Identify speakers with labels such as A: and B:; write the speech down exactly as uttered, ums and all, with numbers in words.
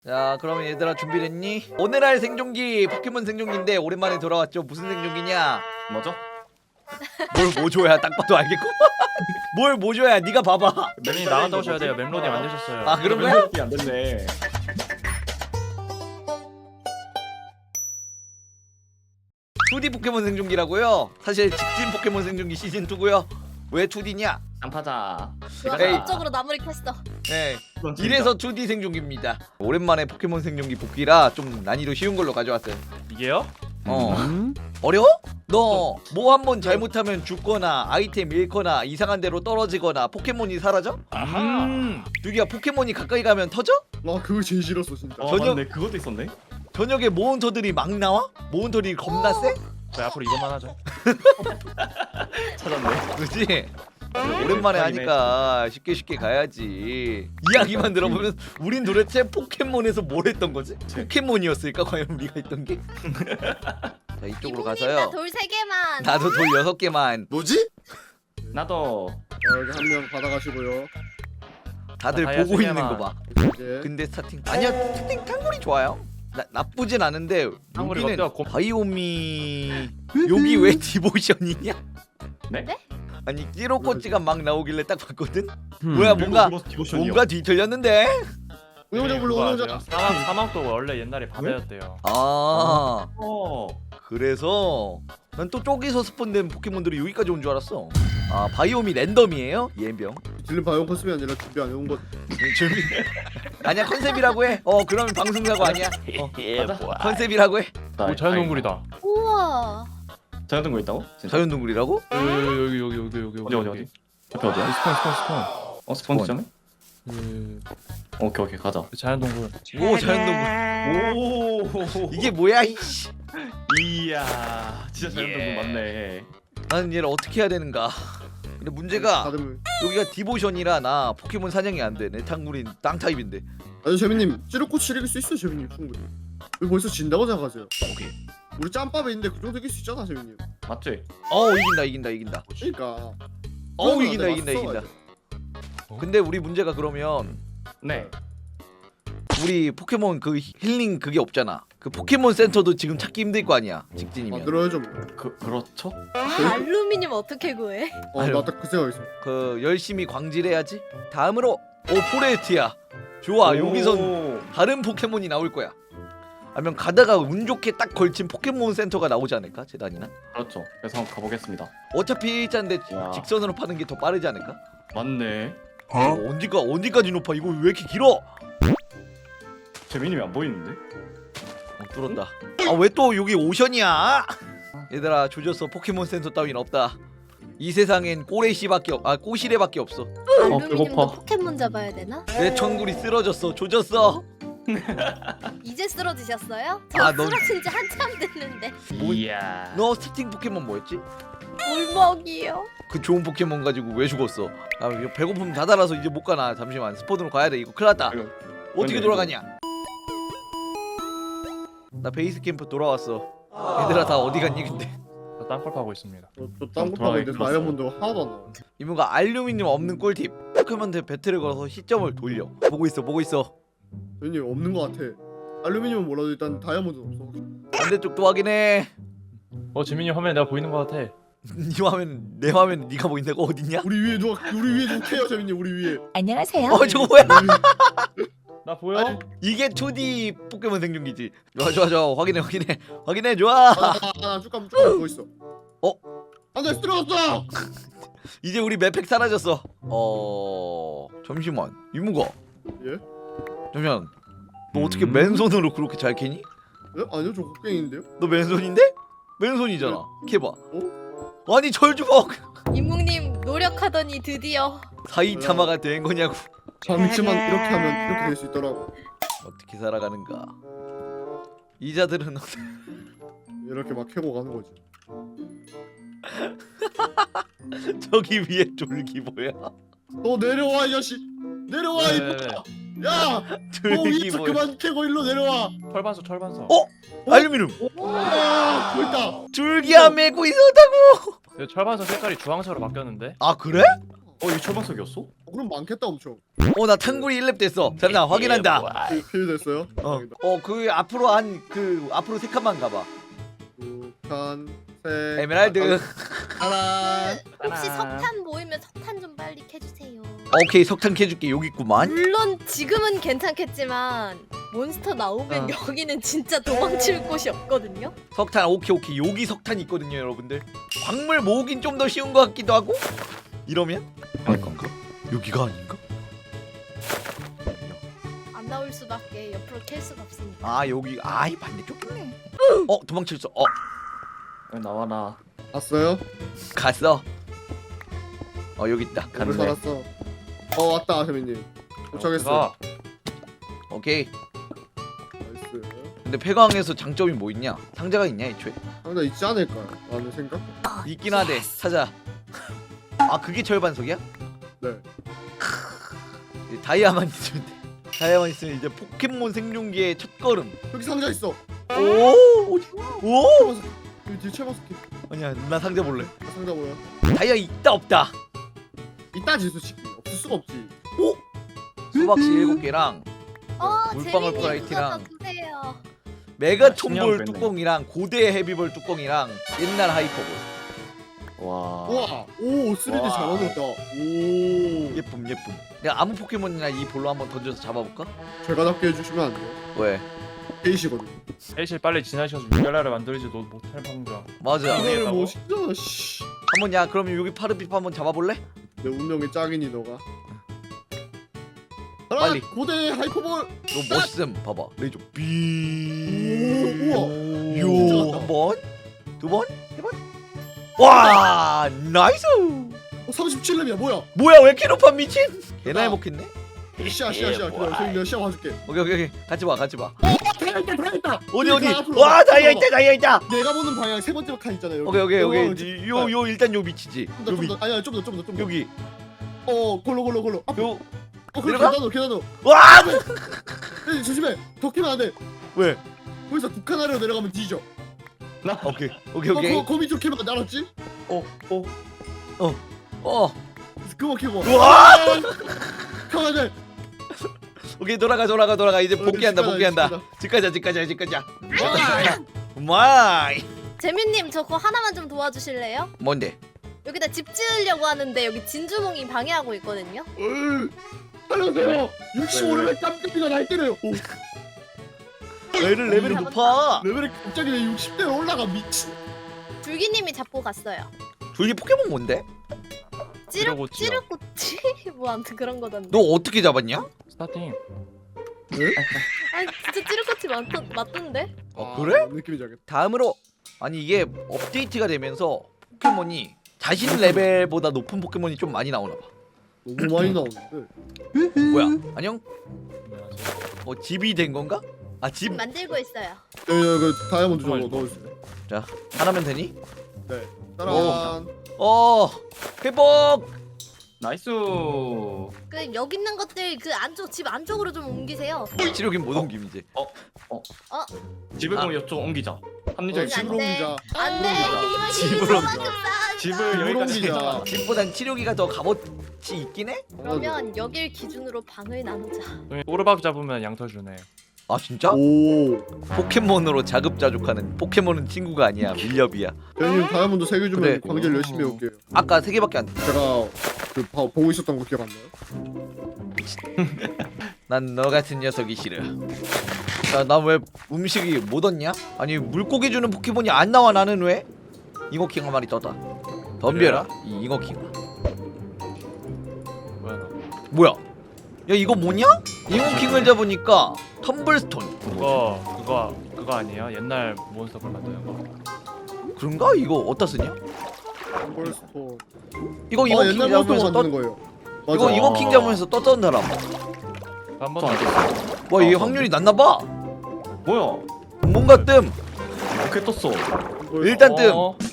A: 자, 그러면 얘들아 준비됐니? 오늘 할 생존기 포켓몬 생존기인데 오랜만에 돌아왔죠. 무슨 생존기냐?
B: 뭐죠?
A: 뭘 모줘야 딱 봐도 알겠고. 뭘 모줘야 네가 봐봐.
C: 멤이 나갔다 오셔야 돼요. 멤로딩 안 되셨어요.
A: 아 그런 거야?
B: 안 됐네.
A: 투디 포켓몬 생존기라고요? 사실 직진 포켓몬 생존기 시즌 이고요. 왜 투디냐?
B: 안파자.
A: 에이.
D: 법적으로 마무리 켰어.
A: 네. 이래서 투디 생존기입니다. 오랜만에 포켓몬 생존기 복귀라 좀 난이도 쉬운 걸로 가져왔어요.
C: 이게요?
A: 어. 어려워? 너 뭐 한 번 잘못하면 죽거나 아이템 잃거나 이상한 데로 떨어지거나 포켓몬이 사라져?
C: 아하.
B: 음.
A: 유기야 포켓몬이 가까이 가면 터져?
E: 와 그거 제일 싫었어 진짜.
B: 어,
A: 저녁-
B: 맞네. 그것도 있었네.
A: 저녁에 모헌터들이 막 나와? 모헌터들이 겁나 세?
C: 저희 앞으로 이것만 하죠.
B: 찾았네.
A: 그치? 오랜만에 하니까 쉽게 쉽게 가야지. 이야기만 들어보면 우린 도대체 포켓몬에서 뭘 했던 거지? 포켓몬이었을까 과연 우리가 했던 게? 자 이쪽으로 가서요.
D: 돌 세 개만.
A: 나도 돌 여섯 개만.
E: 뭐지?
B: 나도.
E: 자, 여기 한 명 받아가시고요.
A: 다들
C: 다이아
A: 보고
C: 세
A: 있는
C: 개만.
A: 거 봐.
E: 예.
A: 근데 스타팅 아니야 스타팅 탕골이 좋아요. 나, 나쁘진 않은데
C: 탕골이
A: 여기는
C: 어때요? 곰-
A: 바이오미 여기 왜 디보션이냐?
B: 네?
A: 아니 찌로꼬찌가 막 나오길래 딱 봤거든. 뭐야 뭔가
B: 디보션이요.
A: 뭔가 뒤틀렸는데.
E: 운영자 불러
C: 그거
E: 운영자.
C: 아세요? 사막 사막도 원래 옛날에 바다였대요.
A: 아
B: 어.
A: 그래서 난 또 쪼개서 스폰된 포켓몬들이 여기까지 온 줄 알았어. 아 바이오미 랜덤이에요? 예병.
E: 딜린 바이온 컨셉이 아니라 준비 안 해온 것.
A: 준비. 아니야 컨셉이라고 해. 어 그러면 방송사고 아니야. 어,
B: 맞아.
A: 컨셉이라고 해.
C: 오 자연동굴이다.
D: 우와.
B: 자연동굴 있다고? 진짜?
A: 자연동굴이라고?
C: 여기 여기 여기 여기 여기
B: 어디 어디 어디? 옆에 어디야?
C: 스폰 스폰 스폰.
B: 어 스폰지잖아?
C: 그
B: 오케이 오케이 가자.
C: 자연동굴.
A: 오 자연동굴.
B: 오.
A: 이게 뭐야 이씨.
B: 이야. 진짜 자연동굴
A: 예.
B: 맞네.
A: 나는 얘를 어떻게 해야 되는가. 근데 문제가
E: 다들.
A: 여기가 디보션이라 나 포켓몬 사냥이 안 돼. 내 탕굴인 땅 타입인데.
E: 아니 재민님 찌르꽃 이길 수 있어 재민님 충분히. 왜 벌써 진다고 생각하세요?
A: 오케이.
E: 우리 짬밥에 있는데 그 정도 이길 수 있잖아 재민님.
B: 맞지?
A: 어 이긴다 이긴다 이긴다.
E: 그러니까.
A: 어
E: 그러면
A: 이긴다
E: 내가
A: 이긴다
E: 써가야
A: 이긴다.
C: 어?
A: 근데 우리 문제가 그러면
B: 네.
A: 우리 포켓몬 그 힐링 그게 없잖아. 그 포켓몬 센터도 지금 찾기 힘들 거 아니야. 직진이면.
E: 만들어야죠 뭐.
B: 그 그렇죠?
D: 아, 알루미늄 어떻게 구해?
E: 어나 딱 그 생각 있어.
A: 그 열심히 광질해야지. 다음으로 오 포레스트야. 좋아 여기선
B: 오.
A: 다른 포켓몬이 나올 거야. 아니면 가다가 운 좋게 딱 걸친 포켓몬 센터가 나오지 않을까? 재단이나?
B: 그렇죠. 그래서 한번 가보겠습니다.
A: 어차피 일자인데
B: 야.
A: 직선으로 파는 게 더 빠르지 않을까?
B: 맞네.
A: 어? 언제가 언제까지 높아? 이거 왜 이렇게 길어?
B: 재민님이 안 보이는데?
A: 어, 뚫었다. 아 왜 또 여기 오션이야? 얘들아 조졌어. 포켓몬 센터 따윈 없다. 이 세상엔 꼬레시밖에 없, 아 꼬시레밖에 없어.
D: 알루미늄도
B: 배고파.
D: 포켓몬 잡아야 되나?
A: 내 천굴이 쓰러졌어. 조졌어.
D: 이제 쓰러지셨어요? 저
A: 아, 넌-
D: 쓰러진 지 한참 됐는데.
B: 이야.
A: 너 스타팅 포켓몬 뭐였지?
D: 울먹이요.
A: 그 좋은 포켓몬 가지고 왜 죽었어? 아 이거 배고픔 다 달아서 이제 못 가나. 잠시만 스폰으로 가야 돼. 이거 큰일 났다.
B: 아이고,
A: 어떻게
B: 왜냐,
A: 돌아가냐? 나 베이스 캠프 돌아왔어. 얘들아 다 어디 갔니 근데?
C: 저 땅굴 파고 있습니다.
E: 저딴거 파고 있는데
B: 돌아가기
E: 다이아몬드 하나도 안 나와.
A: 이모가 알루미늄 없는 꿀팁. 포켓몬한테 배틀을 걸어서 시점을 돌려. 보고 있어 보고 있어.
E: 재민님 없는 것 같아. 알루미늄은 몰라도 일단 다이아몬드는 없어.
A: 반대쪽도 확인해.
C: 어 지민이 화면에 내가 보이는 거 같아.
A: 네 화면 내 화면 네가 보인다고 어딨냐?
E: 우리 위에 누가 우리 위에 누가 캐요 재민님 우리 위에.
F: 안녕하세요.
A: 어 저거 뭐야?
C: 나 보여?
E: 아니,
A: 이게 투디 포켓몬 생존기지. 좋아 좋아 좋아 확인해 확인해 확인해 좋아.
E: 아쭉 가면 쭉 가면 뭐 있어.
A: 어?
E: 안돼 쓰러졌어.
A: 이제 우리 맵팩 사라졌어. 어 잠시만 이모가.
E: 예?
A: 잠시만. 너 어떻게
B: 음?
A: 맨손으로 그렇게 잘 캐니?
E: 예? 아니요 저 곡괭인데요.
A: 너 맨손인데? 맨손이잖아. 캐봐. 아니 절주먹.
D: 이묵님 노력하더니 드디어.
A: 사이타마가 된 거냐고.
E: 잠시만 이렇게 하면 이렇게 될 수 있더라고.
A: 어떻게 살아가는가? 이자들은
E: 이렇게 막 캐고 가는 거지.
A: 저기 위에 졸기 뭐야?
E: 너 내려와 이 자식. 내려와 이
C: 네, 네,
E: 야. 너
A: 졸기
E: 위에서
A: 뭐야?
E: 그만 캐고 일로 내려와.
C: 철반석 철반석.
A: 어? 알루미늄.
E: 와 보인다.
A: 줄기야 메고 있었다고.
C: 네, 철반석 색깔이 주황색으로 바뀌었는데.
A: 아 그래?
B: 어 이게 철방석이었어?
E: 그럼 많겠다 엄청.
A: 어 나 탕구리 일 렙 됐어. 잠깐 확인한다.
E: 필- 필요됐어요?
A: 어그 앞으로 한 그 앞으로 세 칸만 가봐.
E: 북한 색
A: 에메랄드.
E: 하나.
D: 그, 혹시
B: 따란.
D: 석탄 모이면 석탄 좀 빨리 캐주세요.
A: 오케이 석탄 캐줄게 여기 있구만.
D: 물론 지금은 괜찮겠지만 몬스터 나오면
A: 어.
D: 여기는 진짜 도망칠 곳이 없거든요.
A: 석탄 오케이 오케이 여기 석탄 있거든요 여러분들. 광물 모으긴 좀 더 쉬운 것 같기도 하고. 이러면 아닐 건가? 여기가 아닌가?
D: 안 나올 수밖에 옆으로 캘 수가 없으니까.
A: 아 여기 아이 반대쪽이네. 어 도망칠 수. 어
B: 왜 나와라.
E: 왔어요?
A: 갔어. 어 여기 있다.
E: 오늘
A: 가는데.
E: 살았어. 어 왔다 재민님. 도착했어.
C: 가.
A: 오케이.
E: 나이스.
A: 근데 폐광에서 장점이 뭐 있냐? 상자가 있냐 애초에?
E: 상자 있지 않을까요? 라는 생각?
A: 있긴 하대. 찾아. 아 그게 절반석이야?
E: 네.
A: 크, 다이아만 있으면 돼. 다이아만 있으면 이제 포켓몬 생존기의 첫 걸음.
E: 여기 상자 있어.
A: 오, 어디? 오.
E: 최마스키. 여기 뒤에 최마스키.
A: 아니야, 나 상자 볼래.
E: 아, 상자 뭐야?
A: 다이아 있다 없다.
E: 이따지 솔직히. 없을 수가 없지.
A: 오. 수박씨 일곱 개랑
D: 어,
A: 물방울
D: 재민님
A: 프라이티랑
D: 그거 더 주세요.
A: 메가
B: 아,
A: 촌볼
B: 신기한 거
A: 뚜껑이랑 고대 헤비볼 뚜껑이랑 옛날 하이퍼볼.
B: 와.
E: 우와. 오 쓰리디
B: 와.
E: 잘 만들었다. 오.
A: 예쁨 예쁨. 내가 아무 포켓몬이나 이 볼로 한번 던져서 잡아볼까?
E: 제가 잡게 해주시면 안 돼요?
A: 왜?
E: 베이시거든.
C: 사실 빨리 지나셔서 육갈라를 만들지 너 못할 방정.
A: 맞아.
C: 이게-
E: 이거를 뭐
C: 했다고?
E: 쉽잖아. 씨.
A: 한번 야 그러면 여기 파르피파 한번 잡아볼래?
E: 내 운명의 짝이니 너가. 하나,
A: 빨리.
E: 고대 하이퍼볼.
A: 너 멋있음. 봐봐. 레이저
E: 오,
A: 비.
E: 우와.
A: 요. 한 번, 두 번, 세 번. 와, 나이스.
E: 어, 삼십칠 렙이야 뭐야?
A: 뭐야 왜 이렇게 높아 미친? 개나
E: 나.
A: 해먹겠네.
E: 시야 시야 시야. 기다려. 저기 내가 시야 봐줄게.
A: 오케이 오케이 오케이. 같이 봐 같이 봐.
E: 다이아 있다 다이아 있다.
A: 어디
E: 여기
A: 어디?
E: 앞으로
A: 와
E: 와봐.
A: 다이아
E: 앞으로
A: 있다 다이아 있다.
E: 와봐. 내가 보는 방향 세 번째 칸 있잖아요. 여기.
A: 오케이 오케이
E: 어,
A: 오케이. 요 요 일단 요 위치지.
E: 좀
A: 여기
E: 더, 아니야 좀 더 좀 더 좀 더.
A: 여기
E: 어 골로 골로 골로. 앞으로.
A: 요.
E: 어 그래
A: 내려가?
E: 계단으로 계단으로.
A: 와
E: 에이, 조심해. 더 키면 안 돼.
A: 왜?
E: 거기서 두 칸 아래로 내려가면 뒤져.
B: 나.
A: 오케이 오케이
E: 어,
A: 오케이.
E: 거, 거미 쪽 키면 안 돼, 알았지?
B: 어. 어.
A: 어
E: 그거 키고.
A: 우와!
E: 가야 돼.
A: 오케이 돌아가 돌아가 돌아가 이제
E: 어,
A: 복귀한다
E: 집
A: 복귀한다.
E: 가자,
A: 집 가자 집 가자 집 가자.
E: 와!
A: 마이.
D: 재민님 저 그거 하나만 좀 도와주실래요?
A: 뭔데?
D: 여기다 집 지으려고 하는데 여기 진주몽이 방해하고 있거든요.
E: 으, 살려주세요. 육십오 레벨 깜깜이가 날 때려요. 오,
A: 레벨 레벨이 높아.
E: 레벨이 갑자기 내 육십 대로 올라가 미친.
D: 줄기님이 잡고 갔어요.
A: 둘이 포켓몬 뭔데?
D: 찌르
C: 찌르고치요.
D: 찌르꼬치 뭐 아무튼 그런 거던데.
A: 너 어떻게 잡았냐?
C: 스타팅.
D: 아니 진짜 찌르꼬치 맞던 맞던데?
A: 어 그래?
E: 뭔 느낌인지 알겠다.
A: 다음으로 아니 이게 업데이트가 되면서 포켓몬이 자신 레벨보다 높은 포켓몬이 좀 많이 나오나 봐.
E: 너무 많이 나오는데.
A: 뭐야? 안녕? 어 집이 된 건가? 아 집
D: 지금 만들고 있어요.
E: 여기 여기 그 다이아몬드 좀
C: 정말
E: 넣어주세요.
A: 자 하나면 되니?
E: 네. 짜란.
A: 어 회복.
B: 나이스.
D: 그 여기 있는 것들 그 안쪽 집 안쪽으로 좀 옮기세요.
A: 치료긴 못 옮김 이제.
B: 집을
A: 아.
B: 그럼 이쪽 옮기자.
E: 어,
B: 합리적인
E: 집으로
D: 안 돼.
E: 옮기자.
D: 안돼. 이만
A: 집으로 옮겨.
B: 집을
E: 집으로
B: 여기까지
E: 옮기자.
B: 해서
A: 집보단 치료기가 더 값어치 있긴 해?
D: 그러면 여길 기준으로 방을 나누자.
C: 오르박 잡으면 양털 주네.
A: 아 진짜?
E: 오.
A: 포켓몬으로 자급자족하는 포켓몬은 친구가 아니야 밀렵이야.
E: 대현님 다이아몬드 세 개 주면
A: 그래.
E: 관계를 열심히 해올게요.
A: 아까 세 개밖에 안 돼.
E: 제가 그 봐- 보고 있었던 거 기억 안 나요?
A: 난 너 같은 녀석이 싫어. 나 왜 음식이 못 얻냐? 아니 물고기 주는 포켓몬이 안 나와 나는 왜? 잉어킹 한 마리 떴다. 덤벼라 이 잉어킹아.
C: 뭐야 너?
A: 뭐야? 야 이거 뭐냐? 잉어킹을 잡으니까 텀블스톤.
C: 그거 그거 그거 아니에요? 옛날 몬스터를 만드는 거.
A: 그런가? 이거 어디다 쓰냐?
E: 폴스톤.
A: 이거
E: 어
A: 잉어킹
E: 옛날 모습
A: 잡으면서 떠
E: 만드는 거예요. 맞아.
A: 이거 잉어킹 잡으면서 떴던 사람.
C: 한번
B: 또 안 됐어.
A: 와 이게
B: 어,
A: 확률이 낮나봐.
B: 뭐야?
A: 뭔가 뜸.
B: 어떻게 떴어?
E: 폴스톤.
A: 일단 뜸.
C: 어,